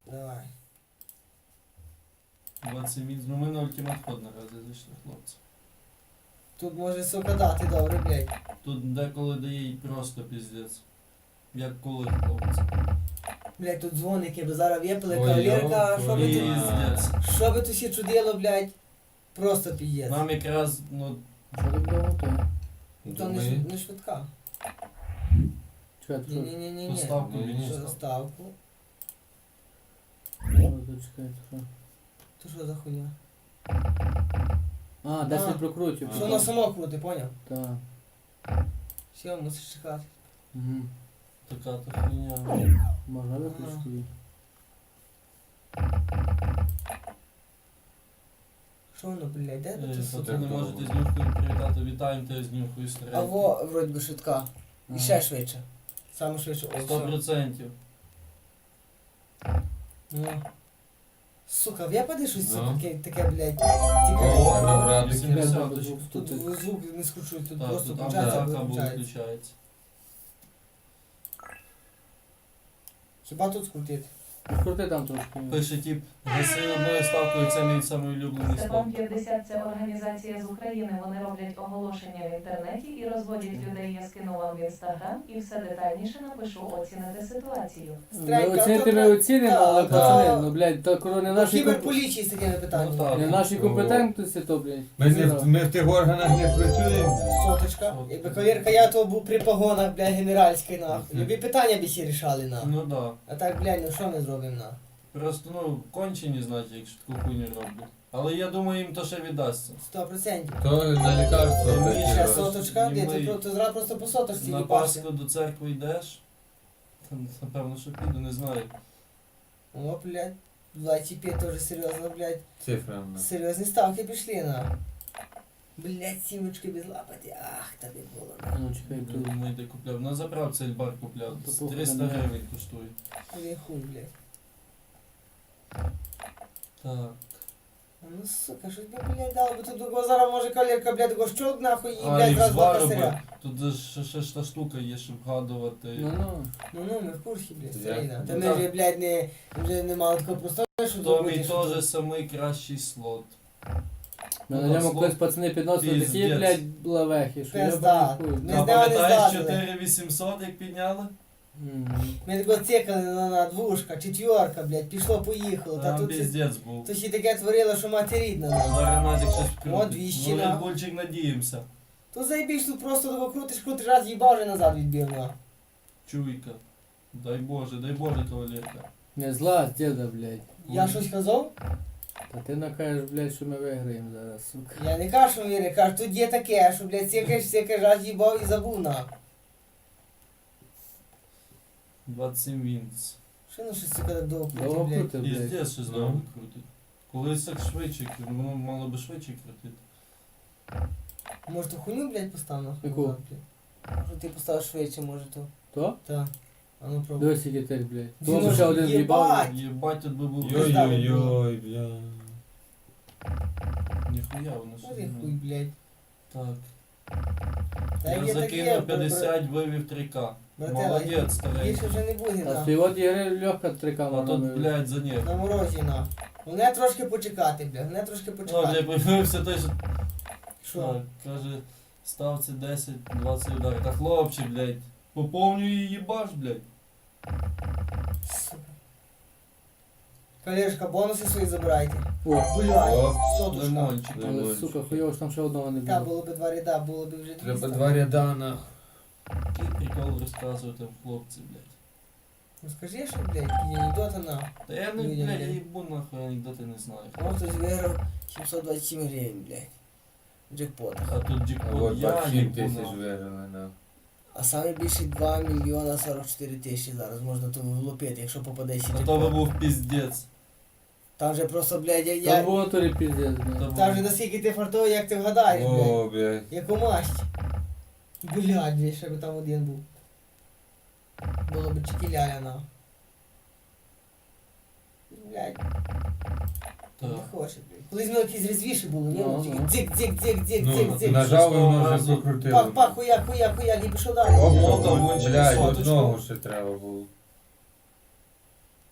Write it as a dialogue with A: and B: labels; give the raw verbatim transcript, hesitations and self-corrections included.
A: Давай.
B: двадцять мінус. Ну ми на ультимат ход наразі зайшли, хлопці.
A: Тут може, сука, дати добре, блядь.
B: Тут деколи дає і просто піздець. Як коли, хлопці.
A: Блядь, тут дзвоники, бо зараз випили
C: Ой,
A: кавалерка,
C: йо,
A: що би тут,
B: Піздець.
A: що би тут ще чудило, блядь. Просто піздець.
B: Нам якраз, ну,
D: Що ти було то?
A: То не, швид- не швидка.
D: Чекай, то що?
A: Ні-ні-ні-ні.
B: поставку
C: Ні, ні.
B: більше.
A: Що заставку?
D: О, зачекай, то що?
A: То що за хуйня?
D: А, десять
A: А.
D: прокрутів.
A: Що воно само крути, поняв?
D: Так.
A: Все, мусиш чекати.
D: Угу.
B: Така то хуйня.
D: Можна виключити її?
A: Що воно, блядь, де
B: Е,
A: тут
B: то
A: сука?
B: ти не можете з нюхою привітати. Вітаємо тебе з нюхою
A: А
B: старенькою.
A: во, вроді би, швидка. І
D: Ага.
A: ще швидше. Саме швидше. О,
B: Сто
A: все.
B: процентів.
A: Ну. Сука, випаде щось, сука,
C: Ну.
A: таке, таке, блядь,
C: О,
A: тікає.
C: добра,
B: вісімдесят.
D: Блядь, звук
A: Тут
D: тут.
A: звук не скручують, тут
B: Так,
A: просто
B: то там
A: включається або
B: така або
A: виключається.
B: виключається.
A: Хіба тут скрутити?
D: Крути там трошки.
B: Пише тип, гаси одною ставкою, це мій самий улюблений
E: Степан
B: став.
E: п'ятдесят – це організація з України. Вони роблять оголошення в інтернеті і розводять людей. Я скину вам в інстаграм і все детальніше напишу, оціните ситуацію.
D: Ми оцінити ми
A: то-
D: оцінимо,
A: та-
D: але
A: та-
D: пацани, ну блядь, то коли не
A: Ну,
D: наші комп-
A: кіберполіції з такими
B: Ну,
A: питаннями.
B: так.
D: не наші компетентності, то, блядь.
C: Ми, не, в- ми в тих органах не працюємо.
A: Соточка.
B: Сотка.
A: Якби кавалерка, я то був при погонах, блядь, генеральській, нахуй. Любі питання б всі рішали, нахуй.
B: Ну да.
A: А так, блядь, ну що ми зробимо, нахуй?
B: Просто, ну, кончені, знаєте, якщо таку хуйню роблять. Але я думаю, їм то ще віддасться.
A: Сто процентів.
C: То на лікарство
B: Ми
C: такі
A: Ще
B: щас-
C: роз-
A: соточка,
B: і
A: де
B: ми-
A: ти про- то зразу просто по соточці
B: На
A: їбашся.
B: Пасху до церкви йдеш. Та, напевно, що піду, не знаю.
A: О, блядь. двадцять п'ять теж серйозно, блядь.
C: цифрами.
A: Серйозні ставки пішли, на. Блядь, сімочки без лапати. Ах, тобі було, на.
D: Ну, чекай, тут.
B: Думаю, де купляв. На заправці Ельбар купляв.
D: То похуй,
B: триста
D: не.
B: гривень коштує.
A: Ой, хуй, блядь.
B: Так.
A: А ну, сука, що тебе, блядь, дало, бо тут до зараз може кавалерка, блядь, такого щолк, нахуй, і,
B: А,
A: блядь,
B: і
A: зразу два
B: звару,
A: косаря.
B: тут же ще, ще ж та штука є, щоб вгадувати.
D: Ну, ну.
A: Ну, ну, ми в курсі, блядь,
C: Я-
A: старий, да. Та
B: Ну,
A: ми
B: так.
A: вже, блядь, не, вже не мали такого простого, що
B: То мій
A: зробити, що
B: теж
A: тут.
B: самий кращий слот.
D: Ми на ньому колись пацани підносили такі,
B: Піздець.
D: блядь, лавехи, що я
A: Пизда.
D: б хуй.
A: Не
B: А
A: з нього не
B: пам'ятаєш
A: злазили.
B: чотири вісімсот, як підняли?
D: Мгм.
A: Ми тако цикали на, на двушка, четверка, блядь, пішло, поїхало. Та
B: Там
A: тут
B: піздець був.
A: то ще таке творило, що мати рідна. нахуй.
B: Зараз Назік щось
A: О,
B: вкрутить.
A: двісті,
B: Ну,
A: на.
B: Редбульчик надіємося.
A: То заєбіш, тут просто того крутиш, крутиш, раз їбав, вже назад відбив, на.
B: Чуйка. Дай Боже, дай Боже, кавалерка.
D: Не зла, діда, блядь.
A: Я щось казав?
D: Та ти накажеш, блядь, що ми виграємо зараз, сука.
A: Я не кажу, що віри, кажу, тут є таке, що, блядь, цикаєш, цикаєш, раз їбав і забув, на.
B: двадцять сім вінц.
A: Що ну щось, сука, так довго крутить,
D: Довго
A: блядь.
D: крутив, блядь.
B: Піздець щось
C: Ну.
B: довго крутить. Колись так швидше, крутить, воно мало би швидше крутити.
A: Може, ту хуйню, блядь, постав, нахуй?
D: Яку?
A: назад, блядь? Може, ти поставиш швидше, може, то.
D: То?
A: Так. А ну пробуй.
D: Дивись, який тих, блядь.
A: Він
D: То ще один
A: єбать.
D: в'їбав.
B: Єбать, тут би був.
C: Йой-йой-йой, бля.
B: Ніхуя воно
A: Ой,
B: щось.
A: хуй,
B: не-
A: блядь.
B: Так.
A: Та
B: Я
A: є таке,
B: закинув п'ятдесят, вивів три ка.
A: Братела,
B: Молодець, старий.
A: більше вже не буде,
D: А
A: на.
D: співот ігри легка трикама.
B: А тут, блядь, за них.
A: На морозі, на. Головне трошки почекати, блядь, головне трошки
B: Ну,
A: почекати.
B: блядь, появився той, що
A: Що?
B: так, каже, ставці десять двадцять ударів. Та хлопче, блядь, поповнюй і їбаш, блядь.
A: Сука. Колежка, бонуси свої забирайте.
D: О,
A: Блядь,
C: О,
A: сотушка.
B: Лимончик.
D: але,
C: Лимончик.
D: сука, хуйово, що там ще одного не
A: Та,
D: було.
A: було б два ряда, було б вже двісті.
C: Треба два ряда на.
B: Який прикол розказувати хлопці, блядь.
A: Ну скажи, що, блядь, анекдоти на.
B: Та я не,
A: Людям,
B: блядь, я
A: блядь.
B: їбу нахуй, анекдоти не знаю.
A: Може хтось виграв сімсот двадцять сім гривень, блядь. В джекпотах.
B: А тут
C: А
B: джекпот,
C: от
B: я
C: двадцять сім
B: їбу
C: тисяч
B: нахуй.
C: виграли на.
A: А саме більше два мільйона сорок чотири тисячі зараз можна то влупити, якщо попаде ще
B: А то би
A: джекпот.
B: був піздець.
A: Там вже просто, блядь, я...
D: Там
A: я...
D: було то ли піздець, блядь.
B: Там
A: Там вже наскільки ти фартовий, як ти вгадаєш, блядь.
C: О, блядь.
A: Яку масть. Блядь, блядь, ще би там один був. Було б чекіляля на. Блядь, не
B: Так.
A: хоче, блядь. Колись воно якісь резвіші було, ні?
D: Ну,
A: Ну, тільки
D: ну.
A: дзик, дзик, дзик, дзик,
C: Ну,
A: дзик, дзик.
C: нажав і воно вже
B: Разу.
C: покрутило.
A: Пах, пах, хуяк, хуяк, хуяк, і пішов далі.
C: Оп,
B: Ну, там
C: оп,
B: вон через
C: блядь,
B: соточку.
C: одного ще треба було.